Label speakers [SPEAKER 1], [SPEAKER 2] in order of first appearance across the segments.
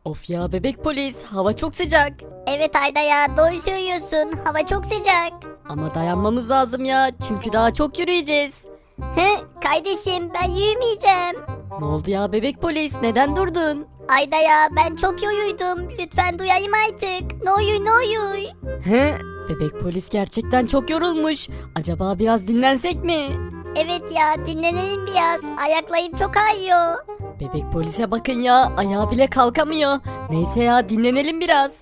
[SPEAKER 1] Of ya bebek polis, hava çok sıcak.
[SPEAKER 2] Evet Ayda ya, doğru söylüyorsun. Hava çok sıcak.
[SPEAKER 1] Ama dayanmamız lazım ya, çünkü daha çok yürüyeceğiz.
[SPEAKER 2] Kardeşim ben yürümeyeceğim.
[SPEAKER 1] Ne oldu ya bebek polis, neden durdun?
[SPEAKER 2] Ayda ya, ben çok yoruldum. Lütfen duyayım artık. Ne olur ne olur.
[SPEAKER 1] He? Bebek polis gerçekten çok yorulmuş. Acaba biraz dinlensek mi?
[SPEAKER 2] Evet ya, dinlenelim biraz. Ayaklarım çok ağrıyor.
[SPEAKER 1] Bebek polise bakın ya, ayağı bile kalkamıyor. Neyse ya, dinlenelim biraz.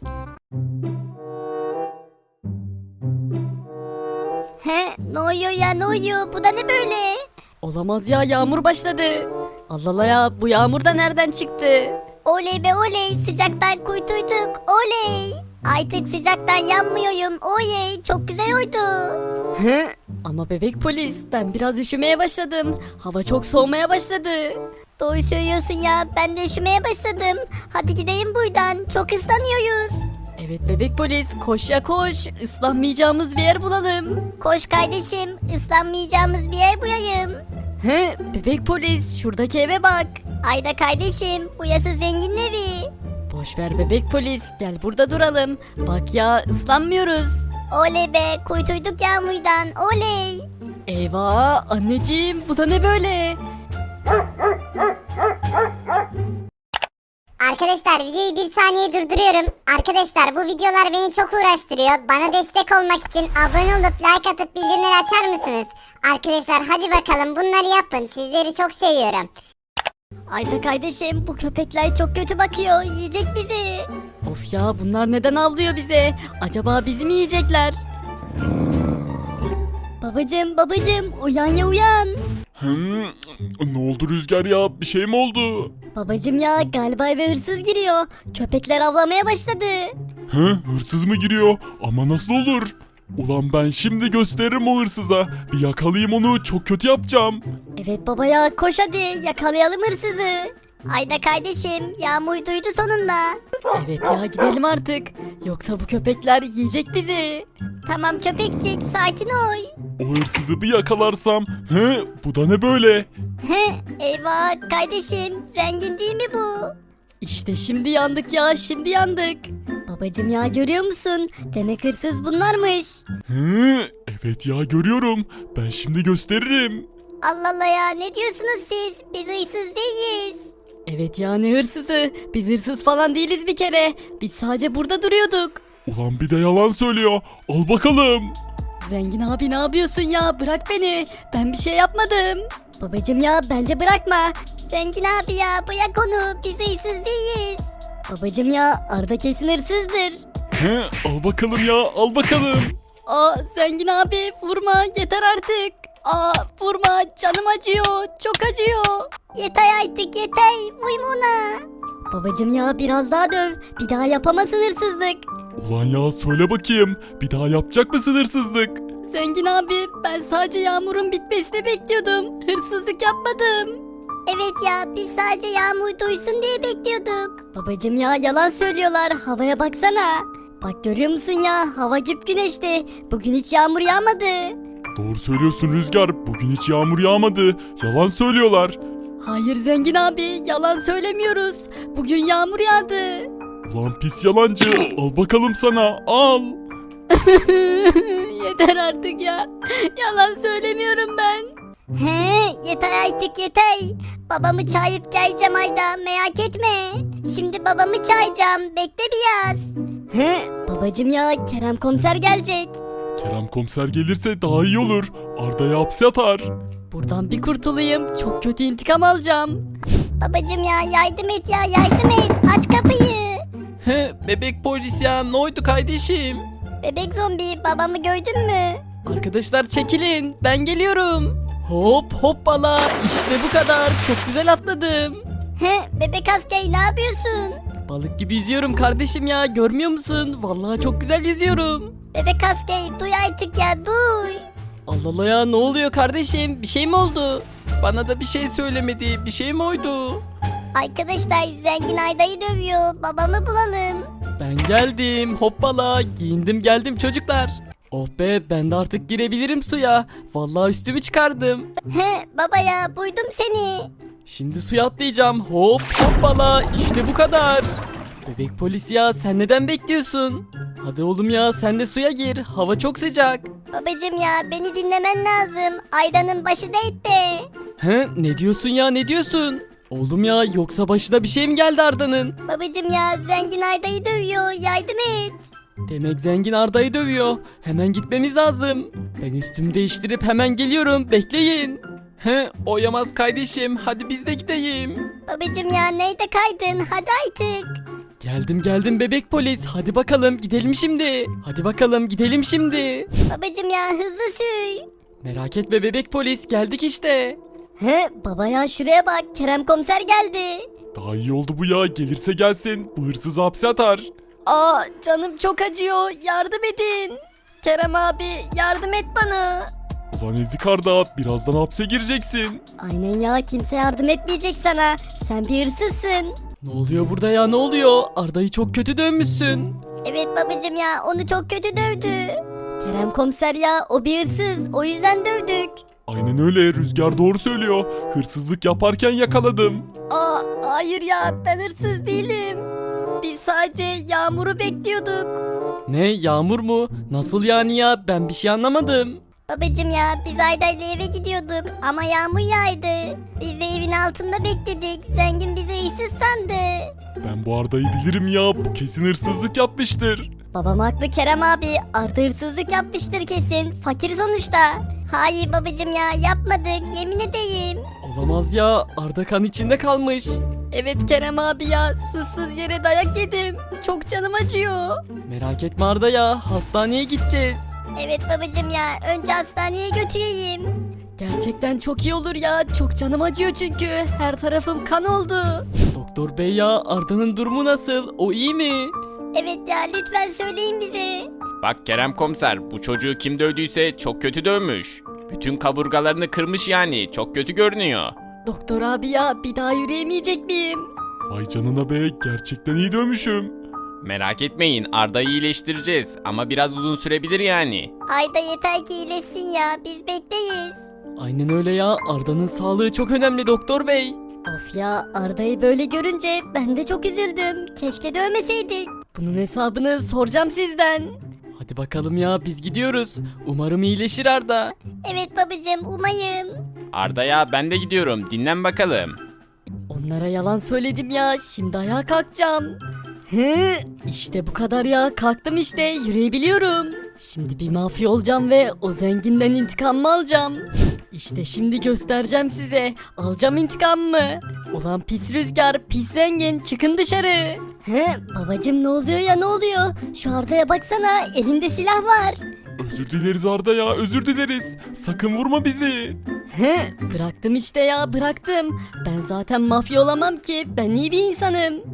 [SPEAKER 2] Ne oluyor ya, ne oluyor? Bu da ne böyle?
[SPEAKER 1] Olamaz ya, yağmur başladı. Allah Allah ya, bu yağmur da nereden çıktı?
[SPEAKER 2] Oley be oley, sıcaktan kurtulduk. Oley. Artık sıcaktan yanmıyorum. Oley, çok güzel oldu.
[SPEAKER 1] He? Ama bebek polis, ben biraz üşümeye başladım. Hava çok soğumaya başladı.
[SPEAKER 2] Doğru söylüyorsun ya, ben de üşümeye başladım. Hadi gidelim buradan, çok ıslanıyoruz.
[SPEAKER 1] Evet bebek polis, koş ya koş. Islanmayacağımız bir yer bulalım.
[SPEAKER 2] Koş kardeşim, ıslanmayacağımız bir yer bulayım.
[SPEAKER 1] He? Bebek polis, şuradaki eve bak.
[SPEAKER 2] Ayda kardeşim, burası zenginin evi.
[SPEAKER 1] Boş ver bebek polis, gel burada duralım. Bak ya, ıslanmıyoruz.
[SPEAKER 2] Oley be, kurtulduk yağmurdan, oley.
[SPEAKER 1] Eyvah anneciğim, bu da ne böyle?
[SPEAKER 3] Arkadaşlar videoyu bir saniye durduruyorum. Arkadaşlar bu videolar beni çok uğraştırıyor. Bana destek olmak için abone olup like atıp bildirimleri açar mısınız? Arkadaşlar hadi bakalım bunları yapın. Sizleri çok seviyorum.
[SPEAKER 2] Ayda kardeşim, bu köpekler çok kötü bakıyor, yiyecek bizi.
[SPEAKER 1] Of ya, bunlar neden avlıyor bize? Acaba bizi mi yiyecekler?
[SPEAKER 2] Babacım, uyan ya uyan.
[SPEAKER 4] Ne oldu Rüzgar ya? Bir şey mi oldu?
[SPEAKER 2] Babacım ya, galiba eve hırsız giriyor. Köpekler avlamaya başladı.
[SPEAKER 4] Hırsız mı giriyor? Ama nasıl olur? Ulan ben şimdi gösteririm o hırsıza. Bir yakalayayım onu, çok kötü yapacağım.
[SPEAKER 2] Evet baba ya, koş hadi yakalayalım hırsızı. Ayda kardeşim, yağmur duydu sonunda.
[SPEAKER 1] Evet ya, gidelim artık. Yoksa bu köpekler yiyecek bizi.
[SPEAKER 2] Tamam köpekçik, sakin ol.
[SPEAKER 4] O hırsızı bir yakalarsam, bu da ne böyle?
[SPEAKER 2] Eyvah kardeşim, zengin değil mi bu?
[SPEAKER 1] İşte şimdi yandık ya, şimdi yandık.
[SPEAKER 2] Babacım ya, görüyor musun? Demek hırsız bunlarmış.
[SPEAKER 4] Evet ya görüyorum. Ben şimdi gösteririm.
[SPEAKER 2] Allah Allah ya, ne diyorsunuz siz? Biz hırsız değiliz.
[SPEAKER 1] Evet ya, ne hırsızı? Biz hırsız falan değiliz bir kere. Biz sadece burada duruyorduk.
[SPEAKER 4] Ulan bir de yalan söylüyor. Al bakalım.
[SPEAKER 1] Zengin abi, ne yapıyorsun ya? Bırak beni. Ben bir şey yapmadım.
[SPEAKER 2] Babacım ya, bence bırakma. Zengin abi ya, bırak onu, biz hırsız değiliz. Babacım ya, Arda kesin hırsızdır.
[SPEAKER 4] Al bakalım ya, al bakalım.
[SPEAKER 1] Aa zengin abi, vurma, yeter artık. Aa vurma, canım acıyor, çok acıyor.
[SPEAKER 2] Yeter artık, yeter, uyma ona. Babacım ya, biraz daha döv, bir daha yapamazsın hırsızlık.
[SPEAKER 4] Ulan ya söyle bakayım. Bir daha yapacak mısın hırsızlık?
[SPEAKER 1] Zengin abi, ben sadece yağmurun bitmesini bekliyordum. Hırsızlık yapmadım.
[SPEAKER 2] Evet ya, biz sadece yağmur duysun diye bekliyorduk. Babacım ya, yalan söylüyorlar, havaya baksana. Bak görüyor musun ya, hava güneşti. Bugün hiç yağmur yağmadı.
[SPEAKER 4] Doğru söylüyorsun Rüzgar. Bugün hiç yağmur yağmadı. Yalan söylüyorlar.
[SPEAKER 1] Hayır zengin abi, yalan söylemiyoruz. Bugün yağmur yağdı.
[SPEAKER 4] Ulan pis yalancı. Al bakalım sana. Al.
[SPEAKER 1] Yeter artık ya. Yalan söylemiyorum ben.
[SPEAKER 2] Yeter artık yeter. Babamı çağırıp geleceğim Ayda, merak etme. Şimdi babamı çağıracağım, bekle biraz. Babacım ya, Kerem komiser gelecek.
[SPEAKER 4] Kerem komiser gelirse daha iyi olur. Arda'yı hapse atar.
[SPEAKER 1] Buradan bir kurtulayım. Çok kötü intikam alacağım.
[SPEAKER 2] Babacım ya, yardım et ya, yardım et, aç kapıyı.
[SPEAKER 5] Bebek polis ya, ne oldu kardeşim?
[SPEAKER 2] Bebek zombi, babamı gördün mü?
[SPEAKER 1] Arkadaşlar çekilin. Ben geliyorum. Hop hoppala. İşte bu kadar. Çok güzel atladım.
[SPEAKER 2] Bebek asker, ne yapıyorsun?
[SPEAKER 1] Balık gibi yüzüyorum kardeşim ya. Görmüyor musun? Vallahi çok güzel yüzüyorum.
[SPEAKER 2] Bebek asker, duy artık ya, duy.
[SPEAKER 1] Allah Allah ya, ne oluyor kardeşim? Bir şey mi oldu?
[SPEAKER 5] Bana da bir şey söylemedi. Bir şey mi oydu?
[SPEAKER 2] Arkadaşlar, zengin Ayda'yı dövüyor, babamı bulalım.
[SPEAKER 1] Ben geldim. Hoppala. Giyindim geldim çocuklar. Oh be, ben de artık girebilirim suya. Vallahi üstümü çıkardım.
[SPEAKER 2] Baba ya, buydum seni.
[SPEAKER 1] Şimdi suya atlayacağım. Hop hoppala. İşte bu kadar. Bebek polis ya sen neden bekliyorsun? Hadi oğlum ya sen de suya gir. Hava çok sıcak.
[SPEAKER 2] Babacım ya beni dinlemen lazım. Aydanın başı dertte.
[SPEAKER 1] He ne diyorsun ya ne diyorsun? Oğlum ya yoksa başına bir şey mi geldi Arda'nın?
[SPEAKER 2] Babacım ya zengin Ayda'yı dövüyor. Yardım et.
[SPEAKER 1] Demek zengin Arda'yı dövüyor. Hemen gitmemiz lazım. Ben üstümü değiştirip hemen geliyorum. Bekleyin.
[SPEAKER 5] He oyamaz kardeşim hadi biz de gideyim.
[SPEAKER 2] Babacım ya neyde kaydın? Hadi artık.
[SPEAKER 1] Geldim bebek polis. Hadi bakalım gidelim şimdi. Hadi bakalım gidelim şimdi.
[SPEAKER 2] Babacım ya hızlı sür.
[SPEAKER 1] Merak etme bebek polis geldik işte.
[SPEAKER 2] He baba ya şuraya bak. Kerem komiser geldi.
[SPEAKER 4] Daha iyi oldu bu ya. Gelirse gelsin. Bu hırsızı hapse atar.
[SPEAKER 2] Aa canım çok acıyor. Yardım edin. Kerem abi yardım et bana.
[SPEAKER 4] Ulan ezik Arda, birazdan hapse gireceksin.
[SPEAKER 2] Aynen ya kimse yardım etmeyecek sana. Sen bir hırsızsın.
[SPEAKER 1] Ne oluyor burada ya ne oluyor? Arda'yı çok kötü dövmüşsün.
[SPEAKER 2] Evet babacım ya onu çok kötü dövdü. Kerem komiser ya o bir hırsız o yüzden dövdük.
[SPEAKER 4] Aynen öyle, Rüzgar doğru söylüyor. Hırsızlık yaparken yakaladım.
[SPEAKER 2] Aa hayır ya ben hırsız değilim. Biz sadece Yağmur'u bekliyorduk.
[SPEAKER 1] Ne Yağmur mu? Nasıl yani ya? Ben bir şey anlamadım.
[SPEAKER 2] Babacım ya biz Ayda'yla eve gidiyorduk ama yağmur yağdı. Biz de evin altında bekledik. Zengin bizi hırsız sandı.
[SPEAKER 4] Ben bu Arda'yı bilirim ya. Bu kesin hırsızlık yapmıştır.
[SPEAKER 2] Babam haklı Kerem abi. Arda hırsızlık yapmıştır kesin. Fakir sonuçta. Hayır babacım ya yapmadık yemin edeyim.
[SPEAKER 1] Olamaz ya. Arda kan içinde kalmış.
[SPEAKER 2] Evet Kerem abi ya susuz yere dayak yedim. Çok canım acıyor.
[SPEAKER 1] Merak etme Arda ya. Hastaneye gideceğiz.
[SPEAKER 2] Evet babacım ya önce hastaneye götüreyim. Gerçekten çok iyi olur ya. Çok canım acıyor çünkü. Her tarafım kan oldu.
[SPEAKER 1] Doktor bey ya Arda'nın durumu nasıl? O iyi mi?
[SPEAKER 2] Evet ya lütfen söyleyin bize.
[SPEAKER 5] Bak Kerem komiser bu çocuğu kim dövdüyse çok kötü dövmüş. Bütün kaburgalarını kırmış yani çok kötü görünüyor.
[SPEAKER 2] Doktor abi ya bir daha yürüyemeyecek miyim?
[SPEAKER 4] Vay canına be, gerçekten iyi dövmüşüm.
[SPEAKER 5] Merak etmeyin Arda'yı iyileştireceğiz ama biraz uzun sürebilir yani.
[SPEAKER 2] Ayda yeter ki iyileşsin ya biz bekleyiz.
[SPEAKER 1] Aynen öyle ya. Arda'nın sağlığı çok önemli doktor bey.
[SPEAKER 2] Of ya Arda'yı böyle görünce ben de çok üzüldüm. Keşke dövmeseydik. Bunun hesabını soracağım sizden.
[SPEAKER 1] Hadi bakalım ya biz gidiyoruz. Umarım iyileşir Arda.
[SPEAKER 2] Evet babacığım umayım.
[SPEAKER 5] Arda'ya ben de gidiyorum dinlen bakalım.
[SPEAKER 2] Onlara yalan söyledim ya. Şimdi ayağa kalkacağım. Hı, işte bu kadar ya. Kalktım işte. Yürüyebiliyorum. Şimdi bir mafya olacağım ve o zenginden intikamımı alacağım. İşte şimdi göstereceğim size. Alacağım intikamımı. Ulan pis Rüzgar, pis zengin çıkın dışarı. He, babacım ne oluyor ya ne oluyor? Şu Arda'ya baksana elinde silah var.
[SPEAKER 4] Özür dileriz Arda ya, özür dileriz. Sakın vurma bizi.
[SPEAKER 2] He, bıraktım işte ya bıraktım. Ben zaten mafya olamam ki. Ben iyi bir insanım.